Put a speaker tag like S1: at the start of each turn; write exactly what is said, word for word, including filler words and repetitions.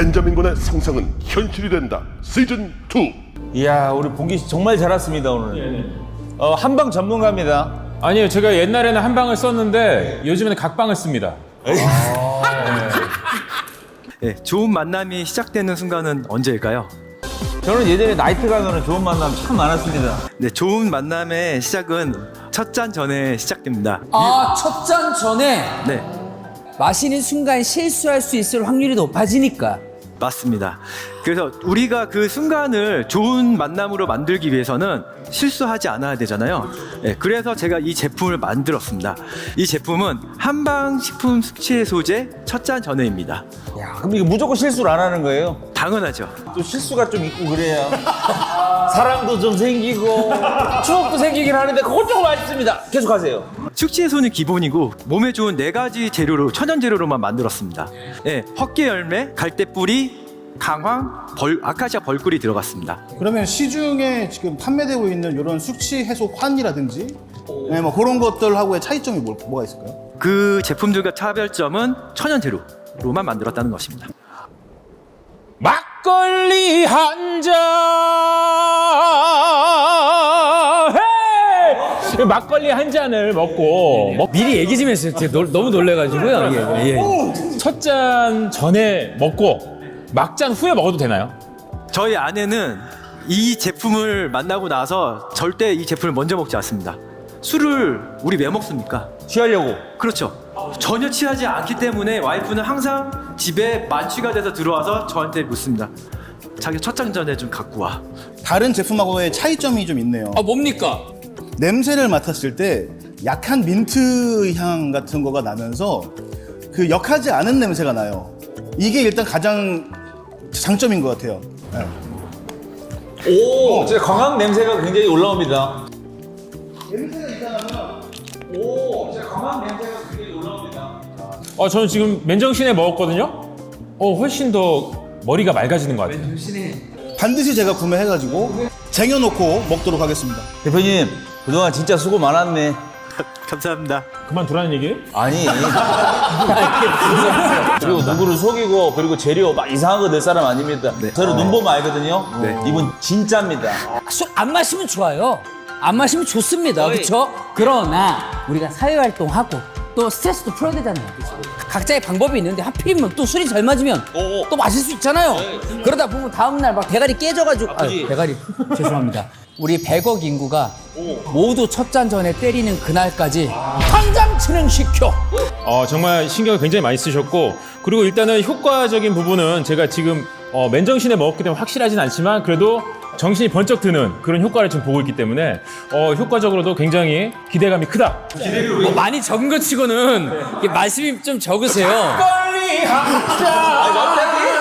S1: 벤자민 군의 상상은 현실이 된다. 시즌 투.
S2: 이야, 우리 봉기 씨 정말 잘 왔습니다 오늘. 어, 한방 전문가입니다.
S3: 아니요, 제가 옛날에는 한방을 썼는데 요즘에는 각방을 씁니다.
S4: 네, 좋은 만남이 시작되는 순간은 언제일까요?
S2: 저는 예전에 나이트 가면은 좋은 만남 참 많았습니다.
S4: 네, 좋은 만남의 시작은 첫 잔 전에 시작됩니다.
S5: 아, 첫 잔 전에
S4: 네,
S5: 마시는 순간 실수할 수 있을 확률이 높아지니까.
S4: 맞습니다. 그래서 우리가 그 순간을 좋은 만남으로 만들기 위해서는 실수하지 않아야 되잖아요. 네, 그래서 제가 이 제품을 만들었습니다. 이 제품은 한방식품 숙취해소제 첫 잔 전에입니다.
S2: 야, 그럼 이거 무조건 실수를 안 하는 거예요?
S4: 당연하죠.
S2: 또 실수가 좀 있고 그래야 사랑도 좀 생기고 추억도 생기긴 하는데 그건 조금 아쉽습니다. 계속하세요.
S4: 숙취해소는 기본이고 몸에 좋은 네 가지 재료로 천연 재료로만 만들었습니다. 네, 헛개 열매, 갈대뿌리, 강황, 벌, 아카시아 벌꿀이 들어갔습니다.
S6: 그러면 시중에 지금 판매되고 있는 이런 숙취 해소 환이라든지 네, 뭐 그런 것들하고의 차이점이 뭐, 뭐가 있을까요?
S4: 그 제품들과 차별점은 천연 재료로만 만들었다는 것입니다.
S3: 막걸리 한 잔. 헤이! 막걸리 한 잔을 먹고 먹-
S5: 미리 얘기 좀 했어요. 제가 놀- 너무 놀래가지고요. 예, 예.
S3: 첫 잔 전에 먹고 막잔 후에 먹어도 되나요?
S4: 저희 아내는 이 제품을 만나고 나서 절대 이 제품을 먼저 먹지 않습니다. 술을 우리 왜 먹습니까?
S2: 취하려고.
S4: 그렇죠. 전혀 취하지 않기 때문에 와이프는 항상 집에 만취가 돼서 들어와서 저한테 묻습니다. 자기 첫 잔 전에 좀 갖고 와.
S6: 다른 제품하고의 차이점이 좀 있네요.
S5: 아, 뭡니까?
S6: 냄새를 맡았을 때 약한 민트 향 같은 거가 나면서 그 역하지 않은 냄새가 나요. 이게 일단 가장 장점인 것 같아요. 네.
S2: 오, 진짜 강황 냄새가 굉장히 올라옵니다.
S3: 어, 저는 지금 맨정신에 먹었거든요. 어, 훨씬 더 머리가 맑아지는 것 같아요.
S6: 반드시 제가 구매해가지고 쟁여놓고 먹도록 하겠습니다.
S2: 대표님, 그동안 진짜 수고 많았네.
S4: 감사합니다.
S3: 그만두라는 얘기예요?
S2: 아니. 그리고 누구를 속이고 그리고 재료 막 이상한 거 낼 사람 아닙니다.
S4: 네.
S2: 저는 눈 보면 알거든요.
S4: 네.
S2: 이분 진짜입니다.
S5: 술 안 마시면 좋아요. 안 마시면 좋습니다. 그렇죠? 그러나 우리가 사회활동하고 또 스트레스도 풀어야 되잖아요. 그쵸? 각자의 방법이 있는데 하필이면 또 술이 잘 맞으면
S2: 오.
S5: 또 마실 수 있잖아요. 그러다 보면 다음날 막 대가리 깨져가지고 아유, 대가리 죄송합니다. 우리 백억 인구가 모두 첫 잔 전에 때리는 그날까지 당장 진행시켜.
S3: 어, 정말 신경을 굉장히 많이 쓰셨고, 그리고 일단은 효과적인 부분은 제가 지금 어, 맨정신에 먹었기 때문에 확실하진 않지만 그래도 정신이 번쩍 드는 그런 효과를 지금 보고 있기 때문에 어, 효과적으로도 굉장히 기대감이 크다.
S5: 뭐 많이 적은 것 치고는 이게 말씀이 좀 적으세요.
S3: 막걸리 한 잔.